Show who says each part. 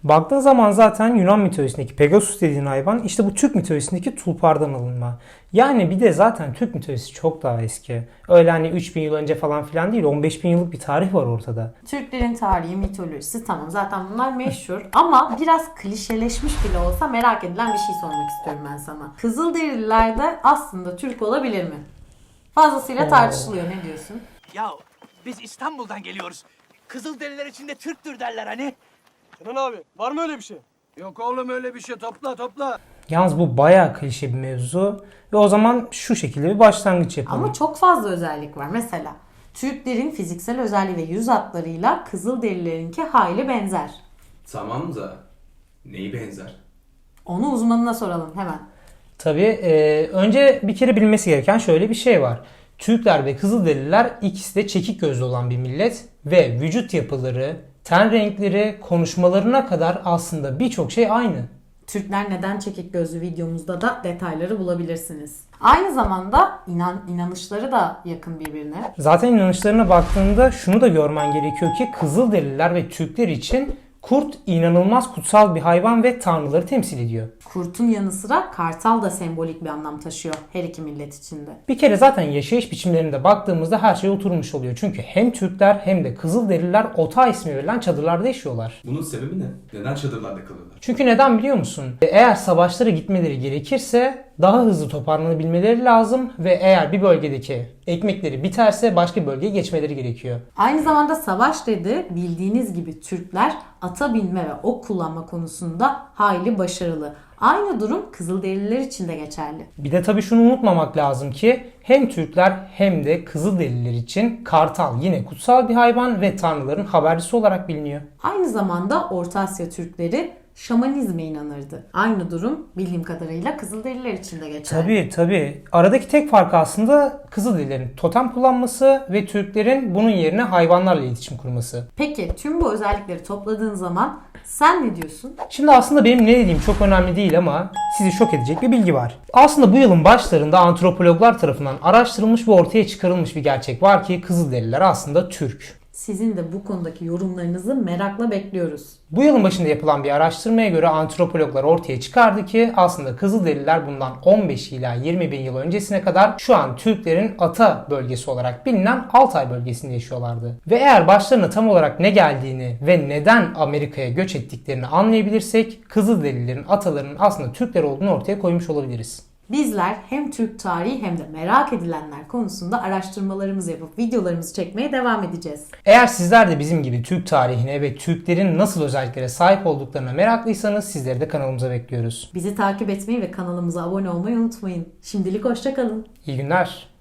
Speaker 1: Baktığın zaman zaten Yunan mitolojisindeki Pegasus dediğin hayvan işte bu Türk mitolojisindeki tulpardan alınma. Yani bir de zaten Türk mitolojisi çok daha eski. Öyle hani 3000 yıl önce falan filan değil, 15 bin yıllık bir tarih var ortada.
Speaker 2: Türklerin tarihi, mitolojisi tamam zaten bunlar meşhur ama biraz klişeleşmiş bile olsa merak edilen bir şey sormak istiyorum ben sana. Kızılderililer de aslında Türk olabilir mi? Fazlasıyla tartışılıyor, ne diyorsun?
Speaker 3: Ya biz İstanbul'dan geliyoruz. Kızılderililer içinde Türktür derler hani.
Speaker 4: Kenan abi var mı öyle bir şey?
Speaker 5: Yok oğlum öyle bir şey, topla.
Speaker 1: Yalnız bu bayağı klişe bir mevzu ve o zaman şu şekilde bir başlangıç yapalım.
Speaker 2: Ama çok fazla özellik var. Mesela Türklerin fiziksel özelliği ve yüz hatlarıyla Kızılderililerinki hayli benzer.
Speaker 6: Tamam da neyi benzer?
Speaker 2: Onu uzmanına soralım hemen.
Speaker 1: Tabii önce bir kere bilmesi gereken şöyle bir şey var. Türkler ve Kızılderililer ikisi de çekik gözlü olan bir millet ve vücut yapıları, ten renkleri, konuşmalarına kadar aslında birçok şey aynı.
Speaker 2: Türkler neden çekik gözlü videomuzda da detayları bulabilirsiniz. Aynı zamanda inanışları da yakın birbirine.
Speaker 1: Zaten inanışlarına baktığında şunu da görmen gerekiyor ki Kızılderililer ve Türkler için kurt inanılmaz kutsal bir hayvan ve tanrıları temsil ediyor.
Speaker 2: Kurtun yanı sıra kartal da sembolik bir anlam taşıyor her iki millet içinde.
Speaker 1: Bir kere zaten yaşayış biçimlerine baktığımızda her şey oturmuş oluyor. Çünkü hem Türkler hem de Kızılderililer Ota ismi verilen çadırlarda yaşıyorlar.
Speaker 6: Bunun sebebi ne? Neden çadırlarda kalıyorlar?
Speaker 1: Çünkü neden biliyor musun? Eğer savaşlara gitmeleri gerekirse daha hızlı toparlanabilmeleri lazım ve eğer bir bölgedeki ekmekleri biterse başka bir bölgeye geçmeleri gerekiyor.
Speaker 2: Aynı zamanda savaş dedi, bildiğiniz gibi Türkler ata binme ve ok kullanma konusunda hayli başarılı. Aynı durum Kızılderililer için de geçerli.
Speaker 1: Bir de tabii şunu unutmamak lazım ki hem Türkler hem de Kızılderililer için kartal yine kutsal bir hayvan ve tanrıların habercisi olarak biliniyor.
Speaker 2: Aynı zamanda Orta Asya Türkleri şamanizme inanırdı. Aynı durum bildiğim kadarıyla Kızılderililer için de geçerli.
Speaker 1: Tabii. Aradaki tek fark aslında Kızılderililerin totem kullanması ve Türklerin bunun yerine hayvanlarla iletişim kurması.
Speaker 2: Peki tüm bu özellikleri topladığın zaman sen ne diyorsun?
Speaker 1: Şimdi aslında benim ne dediğim çok önemli değil ama sizi şok edecek bir bilgi var. Aslında bu yılın başlarında antropologlar tarafından araştırılmış ve ortaya çıkarılmış bir gerçek var ki Kızılderililer aslında Türk.
Speaker 2: Sizin de bu konudaki yorumlarınızı merakla bekliyoruz.
Speaker 1: Bu yılın başında yapılan bir araştırmaya göre antropologlar ortaya çıkardı ki aslında Kızılderililer bundan 15 ila 20 bin yıl öncesine kadar şu an Türklerin ata bölgesi olarak bilinen Altay bölgesinde yaşıyorlardı. Ve eğer başlarına tam olarak ne geldiğini ve neden Amerika'ya göç ettiklerini anlayabilirsek Kızılderililerin atalarının aslında Türkler olduğunu ortaya koymuş olabiliriz.
Speaker 2: Bizler hem Türk tarihi hem de merak edilenler konusunda araştırmalarımızı yapıp videolarımızı çekmeye devam edeceğiz.
Speaker 1: Eğer sizler de bizim gibi Türk tarihine ve Türklerin nasıl özelliklere sahip olduklarına meraklıysanız sizleri de kanalımıza bekliyoruz.
Speaker 2: Bizi takip etmeyi ve kanalımıza abone olmayı unutmayın. Şimdilik hoşça kalın.
Speaker 1: İyi günler.